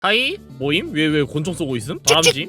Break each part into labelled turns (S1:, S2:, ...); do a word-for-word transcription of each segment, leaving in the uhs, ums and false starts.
S1: 하이 모임? 왜 왜 권총 쏘고 있음? 바람쥐?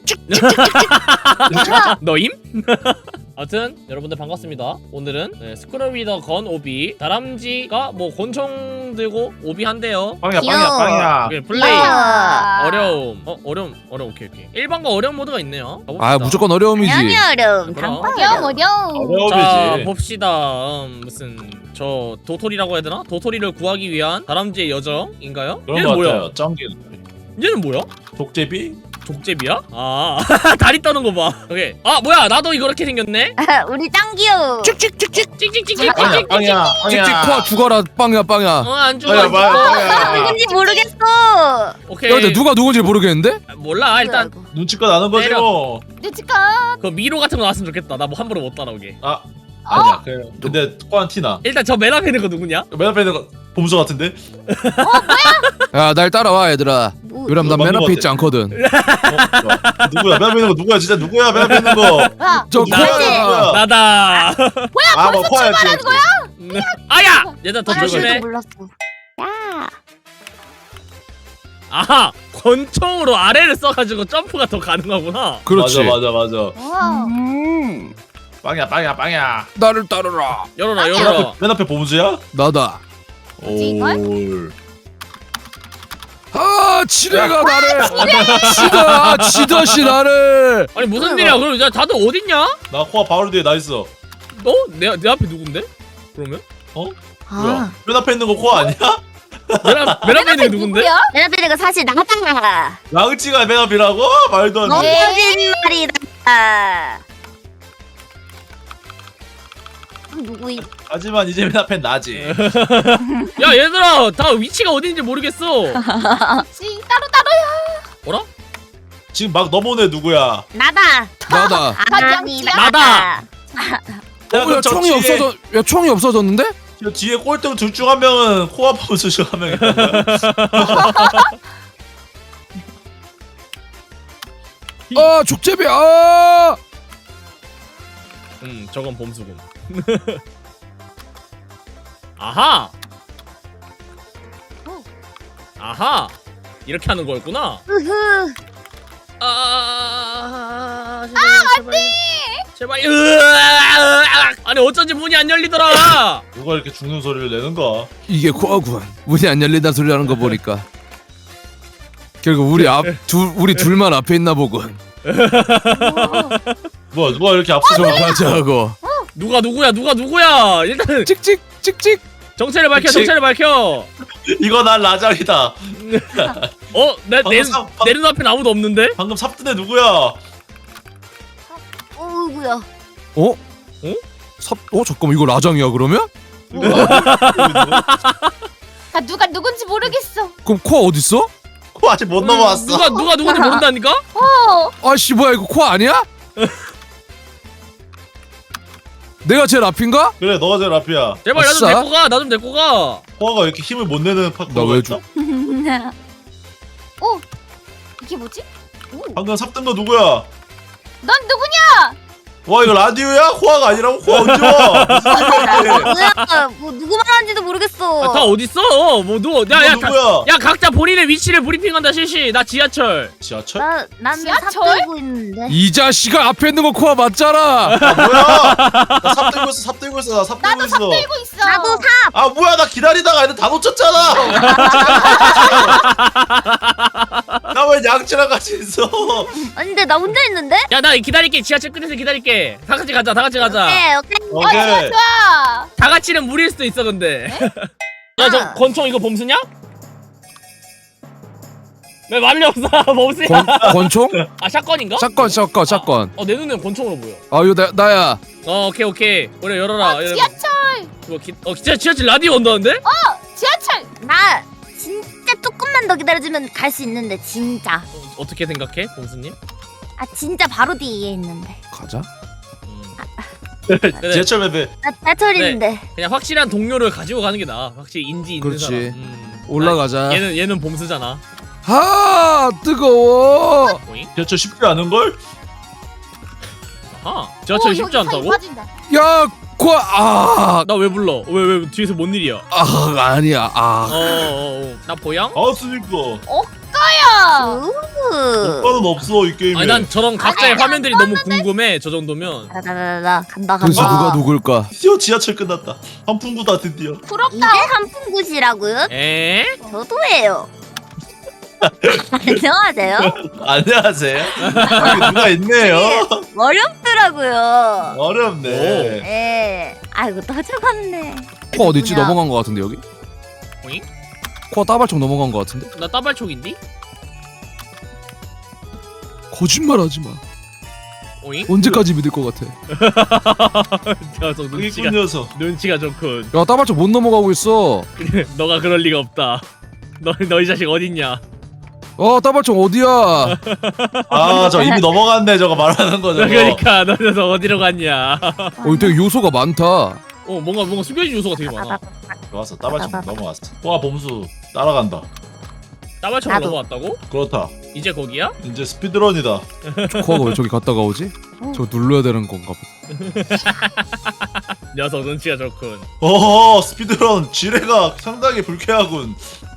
S1: 너임? 아무튼 여러분들 반갑습니다. 오늘은 네, 스크롤 위더 건 오비 다람쥐가 뭐 권총 들고 오비 한대요.
S2: 빵이야 빵이야
S3: 귀여워.
S2: 빵이야.
S1: 오케이, 플레이
S3: 아.
S1: 어려움 어 어려움 어려움 오케이 오케이 일반과 어려운 모드가 있네요. 가봅시다.
S4: 아 무조건 어려움이지.
S3: 당연히 어려움.
S1: 그럼.
S3: 단빵
S5: 어려움
S3: 어려움.
S5: 어려움.
S1: 자
S2: 어려움이지.
S1: 봅시다. 음, 무슨 저 도토리라고 해야 되나? 도토리를 구하기 위한 다람쥐의 여정인가요?
S2: 그런
S1: 얘는
S2: 거
S1: 뭐야?
S2: 같아요. 짱기.
S1: 얘는 뭐야?
S2: 독제비?
S1: 족제비야? 아 다리 떠는 거 봐. 오케이. 아 뭐야 나도 이거 이렇게 생겼네?
S3: 우리 짱 귀여워.
S4: 찍찍찍찍.
S1: 찍찍찍찍
S2: 빵이야
S1: 찍찍
S2: 빵이야
S4: 찍찍
S2: 빵이야.
S4: 코 죽어라 빵야 빵야.
S1: 어안 죽어
S2: 빵이야
S1: 안 죽어.
S2: 빵이야.
S3: 누군지 모르겠어.
S1: 오케이.
S4: 야 근데 누가 누군지 모르겠는데?
S1: 몰라 일단
S2: 눈치껏 아는 거지
S1: 때려.
S2: 뭐.
S5: 눈치껏.
S1: 그 미로 같은 거 나왔으면 좋겠다. 나 뭐 함부로 못 따라오게.
S2: 아 아니야. 그래. 근데 코안 티나.
S1: 일단 저 맨 앞에 있는 거 누구냐?
S2: 맨 앞에 있는 거 봄수 같은데?
S4: 야 날 따라와 얘들아.
S3: 뭐,
S4: 왜냐면 난 맨 앞에 있지 않거든.
S2: 어, 좋아. 누구야? 맨 앞에 있는 거 누구야? 진짜 누구야? 맨 앞에 있는 거.
S5: 야,
S4: 저
S1: 나-
S4: 코야.
S1: 나다.
S2: 아, 뭐 코야 지금.
S1: 아야! 얘들아 더
S3: 아,
S1: 조심해.
S3: 나도 몰랐어. 야.
S1: 아하! 권총으로 아래를 써가지고 점프가 더 가능하구나.
S4: 그렇지.
S2: 맞아 맞아 맞아.
S5: 와.
S4: 음.
S2: 빵이야 빵이야 빵이야.
S4: 나를 따르라.
S1: 열어라
S2: 맨
S1: 열어라.
S2: 앞에 맨 앞에 봄수야?
S4: 나다.
S5: 이걸?
S2: 올.
S4: 아 지뢰가 나를. 지다 지더시 나를.
S1: 아니 무슨 일이야? 그럼 야 다들 어딨냐?
S2: 나 코아 바로 뒤에 나 있어.
S1: 너? 내, 내 앞에 누군데? 그러면?
S2: 뭐야?
S3: 아.
S2: 맨 앞에 있는 거 코아 아니야?
S1: 맨, 앞, 맨 앞에 있는 게 누군데?
S5: 누구야?
S3: 내 앞에 내가 사실 나다.
S2: 양치가 맨 앞이라고? 말도 안
S3: 너무
S2: 돼.
S3: 거짓말이다. 아, 누구이?
S2: 하지만 이제 맨 앞엔 나지.
S1: 야 얘들아 다 위치가 어딘지 모르겠어.
S5: 지 따로 따로야.
S1: 뭐라?
S2: 지금 막 넘어오네 누구야?
S3: 나다.
S4: 나다.
S3: 아니
S5: 나다.
S1: 나다.
S4: 어, 야 총이 없어져. 야 총이 없어졌는데?
S2: 저 뒤에 꼴등 둘 중 한 명은 코아 봄수 중 한 명이야.
S4: 아 족제비. 아.
S1: 음 저건 봄수군. 아하. 아하. 이렇게 하는 거였구나.
S3: 으흐.
S1: 아, 제발, 제발. 제발. 으아! 아니 어쩐지 문이 안 열리더라.
S2: 누가 이렇게 죽는 소리를 내는가?
S4: 이게 코어군. 문이 안 열린다는 소리 하는 거 보니까. 결국 우리 앞 둘 우리 둘만 앞에 있나 보군.
S2: 뭐야 누가 이렇게 앞서
S4: 좀 가자고.
S1: 누가 누구야? 누가 누구야? 일단
S4: 찍찍 찍찍.
S1: 정체를 밝혀.
S2: 그치.
S1: 정체를 밝혀.
S2: 이거 난 라장이다.
S1: 어, 내 내
S2: 방금 사- 방-
S1: 내 눈앞에 아무도 없는데?
S2: 방금 삽뜬애 누구야?
S3: 어이구야.
S4: 어? 어? 삽? 어 잠깐만 이거 라장이야 그러면?
S5: 아, 누가 누군지 모르겠어.
S4: 그럼 코어 어디 있어?
S2: 코 아직 못 넘어왔어.
S1: 누가 누가 누군지 모른다니까?
S5: 어.
S4: 아씨 뭐야 이거 코어 아니야? 내가 제일 앞인가?
S2: 그래 너가 제일 앞이야.
S1: 제발 나 좀
S4: 아싸.
S1: 데리고 가. 나 좀 데리고 가.
S2: 코아가 왜 이렇게 힘을 못 내는 파.
S4: 나 왜 줘?
S5: 어. 이게 뭐지? 오.
S2: 방금 삽뜬 거 누구야?
S5: 넌 누구냐?
S2: 와 이거 라디오야? 코아가 아니라고? 코아 언제 와? 무슨 소리야?
S3: 뭐야? 뭐 누구 말하는지도 모르겠어.
S1: 아, 다 어디 있어? 뭐 누구?
S2: 이거
S1: 야야 가,
S2: 누구야?
S1: 야 각자 본인의 위치를 브리핑한다 실시. 나 지하철.
S2: 지하철?
S3: 나 나는
S5: 지하철?
S3: 삽 들고 있는데.
S4: 이 자식아 앞에 있는 거 코어 맞잖아.
S2: 아 뭐야? 나 삽 들고 있어 삽 들고 있어 나 삽 들고
S5: 나도
S2: 있어.
S5: 삽 들고 있어.
S3: 나도 삽.
S2: 아 뭐야 나 기다리다가 애들 다 놓쳤잖아. 나 왜 양치랑 같이 있어?
S3: 아니 근데 나 혼자 있는데?
S1: 야 나 기다릴게. 지하철 끝에서 기다릴게. 다 같이 가자. 다 같이 가자.
S3: 오케이 오케이.
S5: 어, 좋아
S2: 오케이.
S5: 좋아.
S1: 다 같이는 무리일 수도 있어 근데. 야 저
S3: 아.
S1: 권총 이거 범수냐? 왜 말이 없어? 범수야?
S4: 권 권총?
S1: 아 샷건인가?
S4: 샷건 샷건 샷건.
S1: 어 내 눈엔 권총으로 보여.
S4: 아 이거 나 나야.
S1: 어 오케이 오케이. 우리 열어라.
S5: 어,
S1: 열어봐.
S5: 지하철.
S1: 이거 기, 어 진짜 지하철 라디오 온다는데?
S5: 지하철.
S3: 나 진짜 조금만 더 기다려주면 갈 수 있는데 진짜.
S1: 어, 어떻게 생각해, 범수님?
S3: 아 진짜 바로 뒤에 있는데.
S4: 가자.
S1: 음.
S2: 지하철 맵에
S3: 나 지하철인데.
S1: 그냥 확실한 동료를 가지고 가는 게 나아. 확실히 인지 있는
S4: 그렇지.
S1: 사람. 음.
S4: 올라가자.
S1: 아, 얘는 얘는 범수잖아.
S4: 아 뜨거워.
S1: 보잉?
S2: 지하철 쉽지 않은 걸?
S1: 아하. 지하철
S5: 오,
S1: 쉽지
S5: 여기 사이
S1: 않다고?
S5: 빠진다.
S4: 야 코어 아.
S1: 나 왜 불러? 왜 왜 뒤에서 뭔 일이야?
S4: 아 아니야. 아.
S1: 어어어. 나 보양?
S2: 아스니까
S5: 어까. 없어요.
S3: 우.
S2: 오빠는 없어 이 게임에.
S1: 아니 난 저런 각자의
S5: 아니,
S1: 화면들이 너무 궁금해. 저 정도면.
S3: 나나나나 간다
S4: 도대체
S3: 간다.
S4: 누가 누굴까?
S2: 드디어 지하철 끝났다. 한풍구다 드디어.
S3: 이게
S5: 부럽다.
S3: 한풍굿이라고요?
S1: 에?
S3: 저도예요. 안녕하세요.
S2: 안녕하세요. 여기 누가 있네요.
S3: 어렵더라고요.
S2: 어렵네.
S3: 예. 아이고 또 죽었네.
S4: 코아 어디있지?
S3: 누구냐?
S4: 넘어간 거 같은데 여기?
S1: 오잉?
S4: 코아 따발총 넘어간 거 같은데?
S1: 나 따발촉인디?
S4: 거짓말하지 마.
S1: 오잉?
S4: 언제까지 믿을 것 같아?
S1: 녀석
S2: 여기
S1: 눈치가
S2: 꾼 녀석.
S1: 눈치가 좋군.
S4: 야 따발총 못 넘어가고 있어.
S1: 너가 그럴 리가 없다. 너 너 이 자식 어딨냐?
S4: 어 따발총 어디야?
S2: 아 저 이미 넘어갔네 저거 말하는 거 저거.
S1: 그러니까 너 녀석 어디로 갔냐?
S4: 어 되게 요소가 많다.
S1: 어 뭔가 뭔가 숨겨진 요소가 되게 많아.
S2: 좋았어 따발총 넘어갔어. 와 범수 따라간다.
S1: 따발촉을
S3: 나도.
S1: 넘어왔다고?
S2: 그렇다.
S1: 이제 거기야?
S2: 이제 스피드런이다.
S4: 코아가 왜 저기 갔다가 오지? 저거 눌러야 되는 건가 보다.
S1: 녀석 눈치가 좋군.
S2: 어 스피드런 지뢰가 상당히 불쾌하군.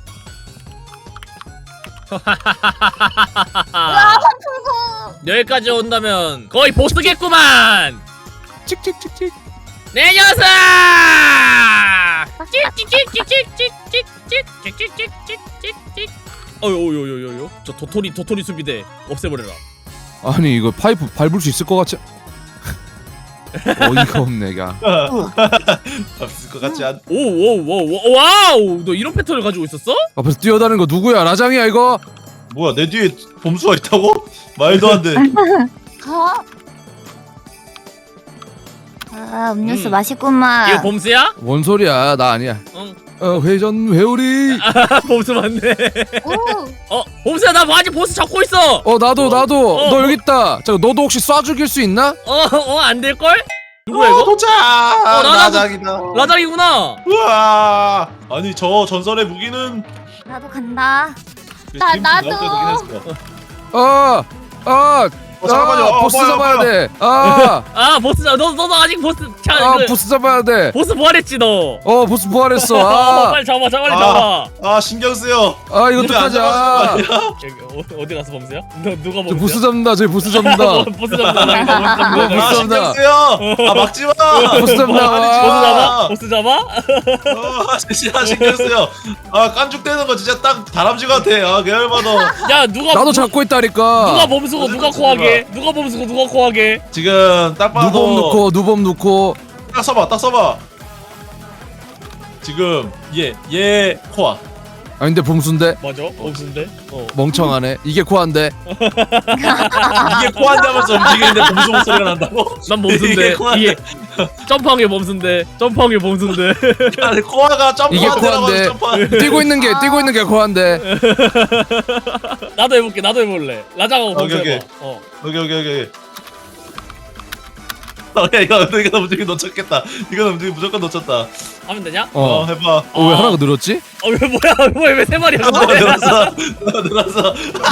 S5: 와 환풍구.
S1: 여기까지 온다면 거의 보스겠구만.
S4: 찍찍찍찍.
S1: 내 녀석! 찍찍찍찍찍찍찍찍찍찍찍찍찍찍찍찍. 어요요요요요. 저 도토리 도토리 수비대 없애버려라.
S4: 아니 이거 파이프 밟을 수 있을 것 같지? 어이가 없네 야.
S2: 없을 것 같지 않.
S1: 오오오오 와우! 너 이런 패턴을 가지고 있었어?
S4: 앞에서 뛰어다니는 거 누구야? 라장이야 이거?
S2: 뭐야 내 뒤에 범수가 있다고? 말도 안 돼.
S5: 가.
S3: 아 음료수
S1: 음.
S3: 맛있구만.
S1: 이거 봄스야?
S4: 뭔 소리야? 나 아니야.
S1: 응.
S4: 어 회전 회오리.
S1: 아 봄스 맞네.
S5: 오.
S1: 어 봄스야 나 뭐 아직 보스 잡고 있어.
S4: 어 나도 나도.
S1: 어,
S4: 너
S1: 어.
S4: 여기 있다. 잠깐 너도 혹시 쏴 죽일 수 있나?
S1: 어어 안 될 걸? 누구야
S2: 어,
S1: 이거?
S2: 도착.
S1: 어, 나도-
S2: 라장이다.
S1: 라장이구나.
S2: 우와. 아니 저 전설의 무기는.
S3: 나도 간다.
S5: 나-
S2: 지금
S5: 나도.
S2: 나올 때 되긴 했어.
S4: 아 아.
S2: 어, 잠깐만요.
S4: 아,
S2: 어,
S4: 보스
S2: 뭐야,
S4: 잡아야
S2: 뭐야.
S4: 돼. 아,
S1: 아 보스 너 너도 아직 보스 차
S4: 아
S1: 그,
S4: 보스 잡아야 돼.
S1: 보스 부활했지 너.
S4: 어 보스 부활했어.
S1: 어,
S4: 아,
S1: 빨리 잡아 잡아 빨리
S2: 아.
S1: 잡아.
S2: 아 신경 쓰여.
S4: 아 이거
S2: 근데 안
S4: 어떡하자.
S2: 잡아주는 거 아니야?
S1: 여기, 어, 어디 가서 범스야? 너 누가
S4: 저
S1: 범스야?
S4: 보스 잡는다. 저기 보스 잡는다.
S1: 뭐, 보스 잡는다. 나 이거 보스 잡는다.
S4: 뭐,
S2: 아
S4: 보스
S2: 신경
S4: 잡는다.
S2: 쓰여. 아 막지 마.
S4: 보스 잡는다.
S1: 보스 잡아?
S2: 아.
S1: 보스 잡아?
S2: 아 진짜 신경 쓰여. 아 깐죽대는 거 진짜 딱 다람쥐 같아. 아 계열받아.
S1: 야 누가
S4: 나도
S1: 누-
S4: 잡고 있다니까.
S1: 누가 범수고 누가 코하게? 누가 범수고 누가 코하게?
S2: 지금 딱 봐도.
S4: 누범 넣고 누범 넣고.
S2: 딱 써봐 딱 써봐. 지금 얘얘 코아.
S4: 아 근데 봄수인데
S1: 맞아? 범수인데? 어.
S4: 멍청하네. 이게 코한데.
S2: 이게 코한다면서 움직이는데 범수 목소리가 난다고?
S1: 난 범수인데
S2: 이게 코한데.
S1: 이게 점프한 게 범수인데 점프한 게 범수인데.
S2: 아니 코아가
S4: 이게
S2: 점프한다고
S4: 코한데.
S2: 점프.
S4: 뛰고 있는 게 뛰고 있는 게 코한데.
S1: 나도 해볼게 나도 해볼래. 라장하고 범수
S2: 오케이,
S1: 해봐. 어.
S2: 여기 여기 여기. 어, 야 이거 이거 움직이 놓쳤겠다. 이거 움직이 무조건 놓쳤다.
S1: 하면 되냐?
S2: 어,
S4: 어.
S2: 해봐.
S4: 어, 왜 하나가 늘었지?
S1: 어 왜 뭐야 뭐야 왜 세 마리야?
S2: 어, 늘었어. 어, 늘었어.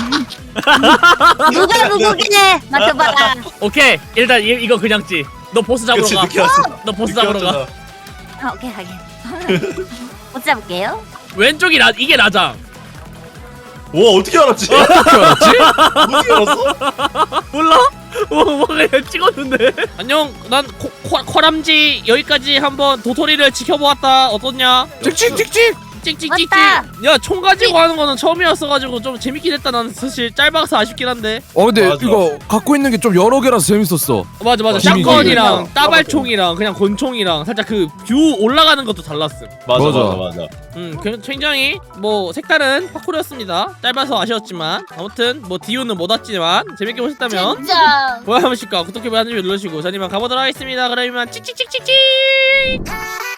S3: 누가 누구긴 해. 맞춰봐라.
S1: 오케이 일단 이, 이거 그냥 찌. 너 보스 잡으러
S2: 그치
S1: 가.
S2: 늦게 왔어.
S1: 너 보스
S2: 늦게
S1: 잡으러 가.
S2: 왔잖아.
S3: 아, 오케이 하긴. 못 잡을게요.
S1: 왼쪽이 라 이게 라장.
S2: 와 어떻게 알았지?
S4: 어떻게 알았지?
S2: 어떻게 알았어?
S1: 몰라? 뭐, 뭐 그냥 찍었는데. 안녕, 난 코, 코, 코람지 여기까지 한번 도토리를 지켜보았다. 어떻냐?
S4: 찍찍찍찍.
S1: 찍찍찍찍.
S3: 맞다.
S1: 야, 총 가지고 하는 거는 처음이었어가지고 좀 재밌긴 했다. 나는 사실 짧아서 아쉽긴 한데.
S4: 어 근데
S2: 맞아.
S4: 이거 갖고 있는 게 좀 여러 개라서 재밌었어.
S1: 어, 맞아, 맞아.
S2: 어,
S1: 샷건이랑
S2: 재밌게
S1: 따발총이랑 그냥 권총이랑 살짝 그 뷰 올라가는 것도 달랐음.
S2: 맞아
S4: 맞아.
S2: 맞아 맞아.
S1: 음, 그- 굉장히 뭐 색다른 파쿠르였습니다. 짧아서 아쉬웠지만 아무튼 뭐 디오는 못 왔지만 재밌게 보셨다면
S5: 진짜.
S1: 좋아요 한 번씩과 구독해 버튼 눌러주시고 저는 이만 가보도록 하겠습니다. 그럼 이만 찍찍찍찍찍.